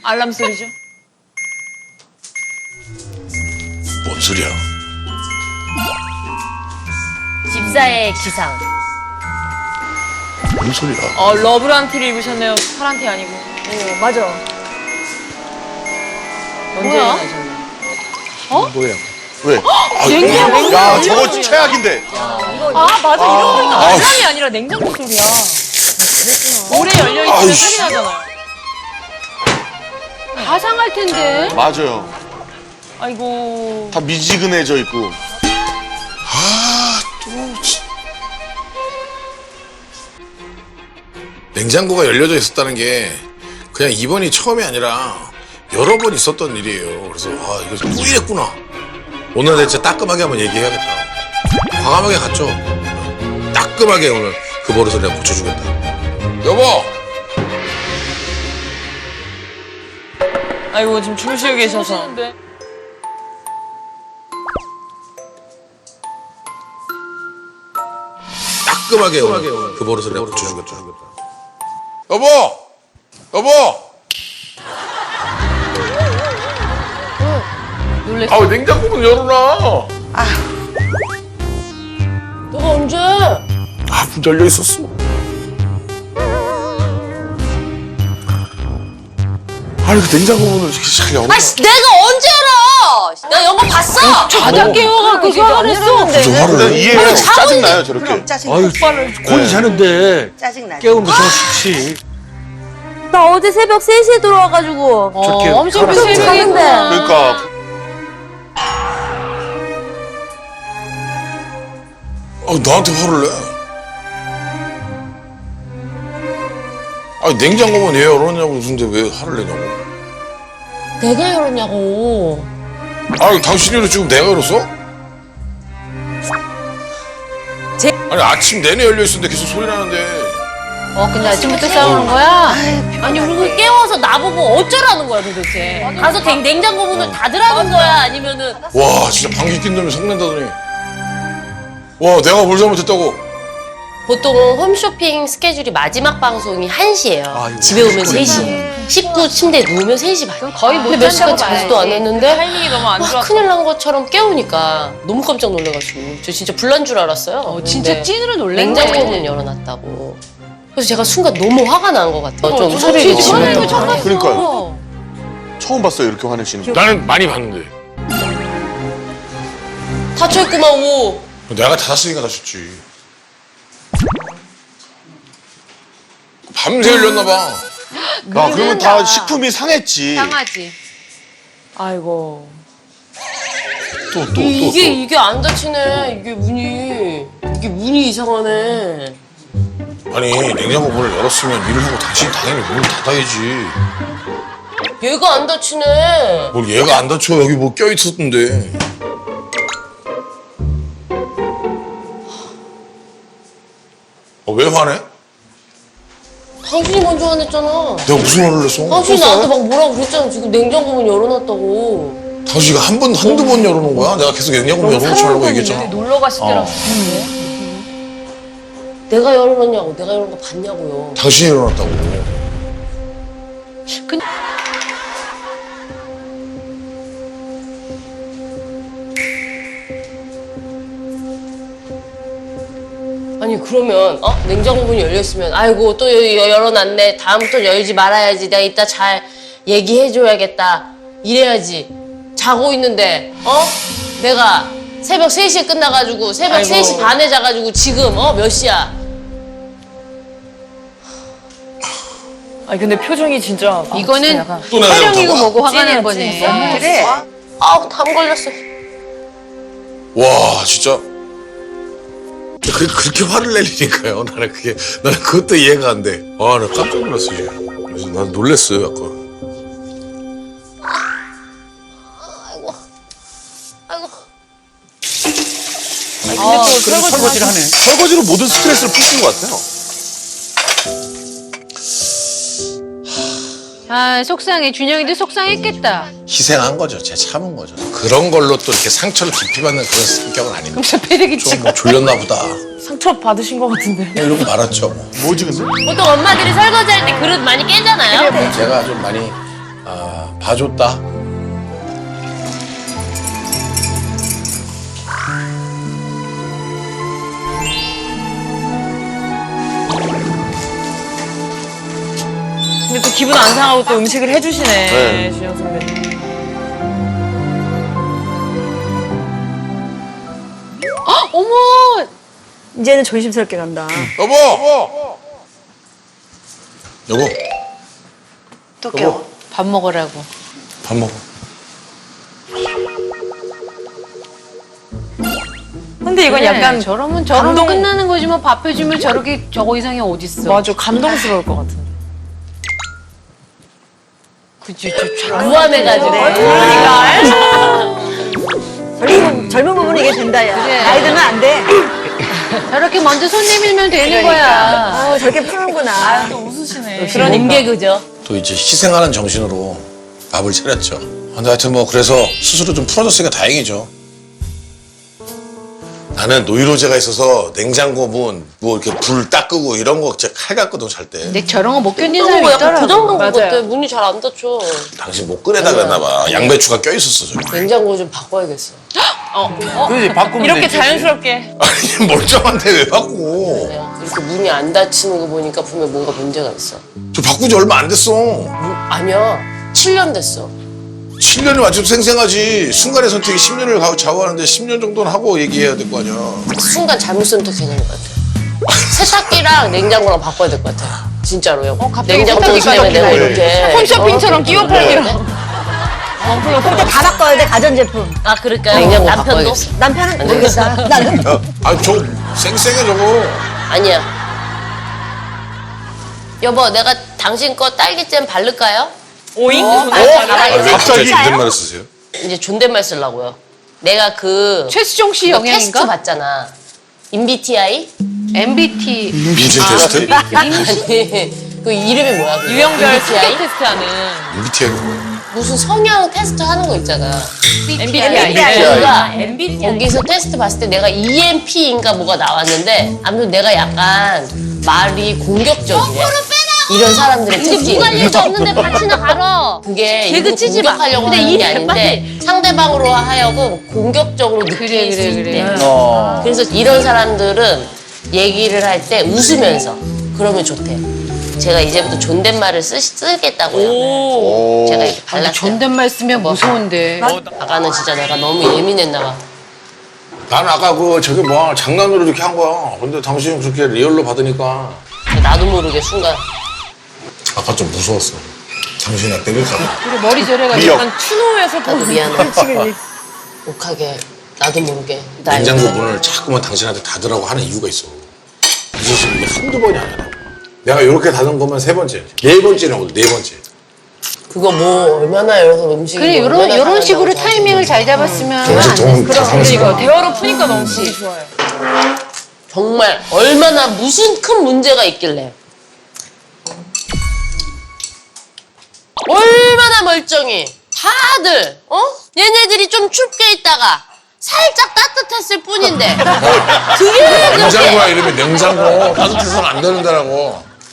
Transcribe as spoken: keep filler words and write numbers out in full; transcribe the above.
알람 소리죠? 뭔 소리야? 집사의 기상. 뭔 소리야? 어, 러브란 티를 입으셨네요. 파란 티 아니고. 어, 맞아. 언제 뭐야? 일어나셨나요? 뭐야? 왜? 냉장고 야, 저거 최악인데. 아, 맞아. 이러고 보니까 알람이 아니라 냉장고 소리야. 오래 열려있으면 아이씨. 소리 나잖아요. 가상할 텐데. 맞아요. 아이고. 다 미지근해져 있고. 아, 또. 진- 냉장고가 열려져 있었다는 게 그냥 이번이 처음이 아니라 여러 번 있었던 일이에요. 그래서 아, 이거 또 이랬구나. 오늘 내가 진짜 따끔하게 한번 얘기해야겠다. 과감하게 갔죠. 따끔하게 오늘 그 버릇을 내가 고쳐주겠다. 여보! 아이고, 지금 주무시고 계셔서. 따끔하게 오늘 그 버릇을 내가 고쳐주겠다. 여보! 여보! 놀랬어. 아, 왜 냉장고 문 열어놔? 너가 언제? 아, 문 열려 있었어. 아니, 그 냉장고 문을 이렇게 잘 열어. 아씨, 내가 언제 알아? 나 영화 봤어. 자다 깨워갖고 화를 냈어. 무슨 화를 내? 이해해요. 자고 짜증나요, 저렇게. 그럼 짜증 아유, 곤히 네. 자는데 짜증나. 깨우는 거 좀 싫지. 나 어제 새벽 세 시에 들어와가지고 저렇게 엄청 가라앉아. 그 새벽인데. 그러니까. 아, 나한테 화를 내. 아니, 냉장고만 왜 열었냐고, 무슨데 왜 화를 내냐고. 내가 열었냐고. 아니, 당신이 열어 지금 내가 열었어? 제- 아니, 아침 내내 열려있었는데 계속 소리 나는데. 어, 근데 아침부터 싸우는 거야? 아니, 그리고 깨워서 나보고 어쩌라는 거야, 도대체. 가서 냉, 냉장고 문을 닫으라는 거야? 아니면은. 와, 진짜 방귀 낀 놈이 성낸다더니. 와, 내가 뭘 잘못했다고. 보통은 홈쇼핑 스케줄이 마지막 방송이 한 시예요. 아이고, 집에 오면 세 시에. 식구 침대에 누우면 세 시 반. 거의 못 몇 시간 자지도 않았는데. 할 일이 너무 안 와, 좋았어. 큰일 난 것처럼 깨우니까 너무 깜짝 놀라가지고 저 진짜 불난 줄 알았어요. 어, 진짜 근데 찐으로 놀랐네. 냉장고 문 열어놨다고. 그래서 제가 순간 너무 화가 난 것 같아요. 좀 저 소리를 진짜 화내는 거 지르는 처음 거. 봤어. 그러니까요. 처음 봤어요, 이렇게 화내시는 거. 나는 많이 봤는데. 다쳐있구만, 오. 내가 닫았으니까 닫혔지. 밤새 열렸나봐. 아, 그러면 다 식품이 상했지. 상하지. 아이고. 또, 또, 또. 이게, 또. 이게 안 닫히네. 이게 문이. 이게 문이 이상하네. 아니, 냉장고 문을 열었으면 일을 하고 당신이 당연히 문을 닫아야지. 얘가 안 닫히네. 뭘 얘가 안 닫혀. 여기 뭐 껴있었던데. 어, 왜 화내? 당신이 먼저 화냈잖아. 내가 무슨 화를 냈어? 당신이 나한테 막 뭐라고 그랬잖아. 지금 냉장고 문 열어놨다고. 당신이가 한 번, 한두 번 열어놓은 거야? 내가 계속 냉장고 문 열어놓지 말라고 얘기했잖아. 놀러 갔을 때랑 내가 열어놨냐고. 내가 열어놓은 거 봤냐고요. 당신이 열어놨다고. 아니 그러면 어? 냉장고 문이 열려있으면 아이고 또 여- 여- 열어놨네. 다음부터 열지 말아야지. 내가 이따 잘 얘기해줘야겠다. 이래야지. 자고 있는데 어? 내가 새벽 세 시에 끝나가지고 새벽 아이고. 세 시 반에 자가지고 지금 어? 몇 시야? 아니 근데 표정이 진짜 이거는 또 내가 촬영이고 열었다고? 뭐고 화가 난 거지. 그래. 아우 담 걸렸어. 와, 진짜. 그, 그렇게 화를 낼 일인가요? 나는 그게, 나는 그것도 이해가 안 돼. 아, 나 깜짝 놀랐어, 이제. 그래서 난 놀랬어요, 약간. 아이고. 아이고. 아, 근데 또 그래서 설거지를 하네. 설거지로 모든 스트레스를 푸시는 것 같아요. 아 속상해. 준영이도 속상했겠다. 희생한 거죠. 제 참은 거죠. 그런 걸로 또 이렇게 상처를 깊이 받는 그런 성격은 아닌데. 저 패대기 좀 뭐 졸렸나 보다. 상처 받으신 것 같은데. 뭐 이러고 말았죠. 뭐. 뭐지, 근데? 보통 엄마들이 설거지할 때 그릇 많이 깨잖아요. 제가 좀 많이 아, 봐줬다. 근데 또 기분 안 상하고 또 음식을 해주시네. 네. 준영 선배님. 헉, 어머! 이제는 조심스럽게 간다. 여보! 여보, 또 깨워. 밥 먹으라고. 밥 먹어. 근데 이건 약간 저러면 저러면 감동- 끝나는 거지 뭐 밥 해주면 저렇게 저거 이상이 어딨어. 맞아 감동스러울 것 같은데. 그치, 저 참. 무한해가지고. 젊은, 젊은 부분이 이게 된다, 야. 그래. 나이 들면 안 돼. 저렇게 먼저 손 내밀면 되는 거야. 아, 저렇게 푸는구나. 또 웃으시네. 그런 게 그죠? 또 이제 희생하는 정신으로 밥을 차렸죠. 근데 하여튼 뭐 그래서 스스로 좀 풀어졌으니까 다행이죠. 나는 노이로제가 있어서 냉장고 문 뭐 이렇게 불 딱 끄고 이런 거 진짜 칼 같거든 잘 때. 근데 저런 거 못 견디는 그런 사람이 거 약간 있더라고. 부담감 것 맞아요. 같아. 문이 잘 안 닫혀. 당신 못 끄내다 그랬나 봐. 양배추가 껴 있었어 저기. 냉장고 좀 바꿔야겠어. 그지 바꾸면 이렇게 되지. 자연스럽게. 아니 멀쩡한데 왜 바꾸고? 이렇게 문이 안 닫히는 거 보니까 분명 뭔가 문제가 있어. 저 바꾸지 얼마 안 됐어. 아니야. 칠 년 됐어. 칠 년이 완전 생생하지. 순간의 선택이 십 년을 좌우하는데 십 년 정도는 하고 얘기해야 될 거 아니야. 순간 잘못 선택해낸 것 같아. 세탁기랑 냉장고랑 바꿔야 될 것 같아. 진짜로요. 갑자기 냉장고 세탁기까지 때문에 내가 바뀌네. 이렇게 홈쇼핑처럼 끼워 팔기로. 근데 다 바꿔야 돼, 가전제품. 아 그러니까 냉장고 남편도? 바꿔야겠어. 남편은 모르겠다. 나는. 아 저 쌩쌩해 저거. 아니야. 여보, 내가 당신 거 딸기잼 바를까요? 오잉? 어, 오, 아, 왜 갑자기? 갑자기 존댓말을 쓰세요? 이제 존댓말 쓰려고요. 내가 그 최수종 씨 너 테스트 영향인가? 봤잖아. 엠비티아이? 엠비티. 민진 테스트? 아니, 그 이름이 뭐야? 그거? 유형별 엠비티아이? 스펙 테스트하는 엠비티아이 뭐야? 무슨 성향 테스트 하는 거 있잖아. 엠비티아이. 내가 거기서 테스트 봤을 때 내가 이엔피인가 뭐가 나왔는데 아무튼 내가 약간 말이 공격적이래. 이런 사람들의 특징. 누가 일도 없는데 밭이나 갈어. 그게 개그 일부러 치지 마. 공격하려고 근데 하는 이 게 아닌데 상대방으로 하여금 공격적으로 느낄 그래, 수 그래, 있대. 그래. 어. 그래서 이런 사람들은 얘기를 할 때 웃으면서 그러면 좋대. 제가 이제부터 존댓말을 쓰, 쓰겠다고요. 오. 제가 이렇게 근데 발랐어요. 존댓말 쓰면 무서운데. 아까는 진짜 내가 너무 예민했나 봐. 나는 아까 그 저게 뭐 장난으로 이렇게 한 거야. 근데 당신이 그렇게 리얼로 받으니까 나도 모르게 순간 아까 좀 무서웠어. 당신이 나 때릴까 봐. 그리고 머리 저래가지고 미역. 약간 추노에서 나도 보는. 미안해. 욱하게 나도 모르게 나 냉장고 이거 문을 자꾸만 당신한테 닫으라고 하는 이유가 있어. 이 자식이 한두 번이 아니라. 내가 이렇게 닫은 것만 세 번째. 네 번째라고 네 번째. 그거 뭐 얼마나 열어서 음식이 그래 뭐 요런 얼마나 요런 식으로 상한다고 타이밍을 잘 잡았으면 정신 동 그러니까 다상스러워. 대화로 푸니까 너무 보기 좋아요. 정말 얼마나 무슨 큰 문제가 있길래 얼마나 멀쩡히 다들 어? 얘네들이 좀 춥게 있다가 살짝 따뜻했을 뿐인데 그게 그렇게 냉장고야 이름이 냉장고. 따뜻해서는 안 되는 데라고.